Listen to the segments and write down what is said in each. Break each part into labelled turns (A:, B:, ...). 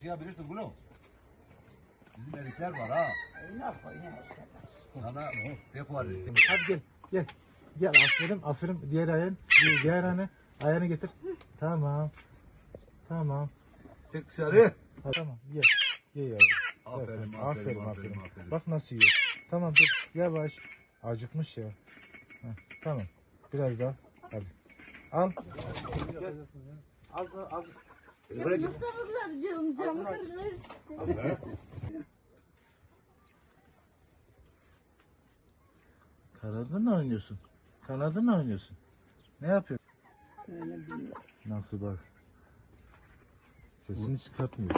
A: Ya bilirsin bunu. Bizim erikler var ha. Sana tek var.
B: Hadi gel. Gel. Gel aferin aferin. Diğer ayağın. Diğer ayağını getir. Tamam. Tamam.
A: Çık dışarı.
B: Ha, tamam. Ye. Ye yavrum.
A: Aferin,
B: Evet,
A: aferin.
B: Bak nasıl yiyor. Tamam dur. Yavaş. Acıkmış ya. Heh, tamam. Biraz daha. Hadi. Al. Gel. Al.
A: Buraya git.
C: Mustafa'lar camı kırdılar işte.
B: Kanadınla oynuyorsun. Kanadınla oynuyorsun. Ne yapıyorsun? Nasıl bak. Sesini çıkartmıyor.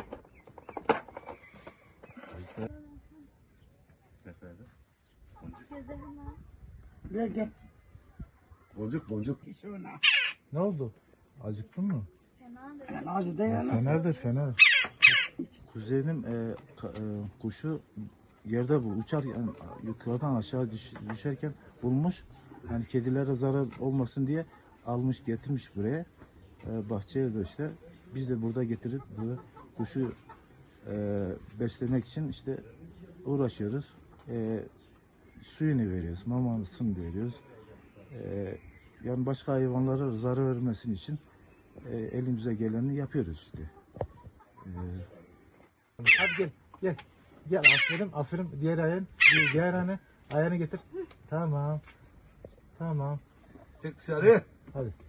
C: Gezelim ha.
D: Gel.
A: Boncuk.
B: Ne oldu? Acıktın mı?
C: Fena da.
D: Ben acı da yana.
B: Fener. Kuzey'in kuşu yerde bu uçarken yukarıdan aşağı düşerken bulmuş. Hani kedilere zarar olmasın diye almış getirmiş buraya. Bahçeye de işte biz de burada getirip burada kuşu beslemek için işte uğraşıyoruz. Suyunu veriyoruz, mamasını veriyoruz. Yani başka hayvanlara zarar vermesin için elimize geleni yapıyoruz işte. Hadi gel. Gel aferin. Diğer ayağını getir. Tamam.
A: Çık dışarı.
B: Hadi.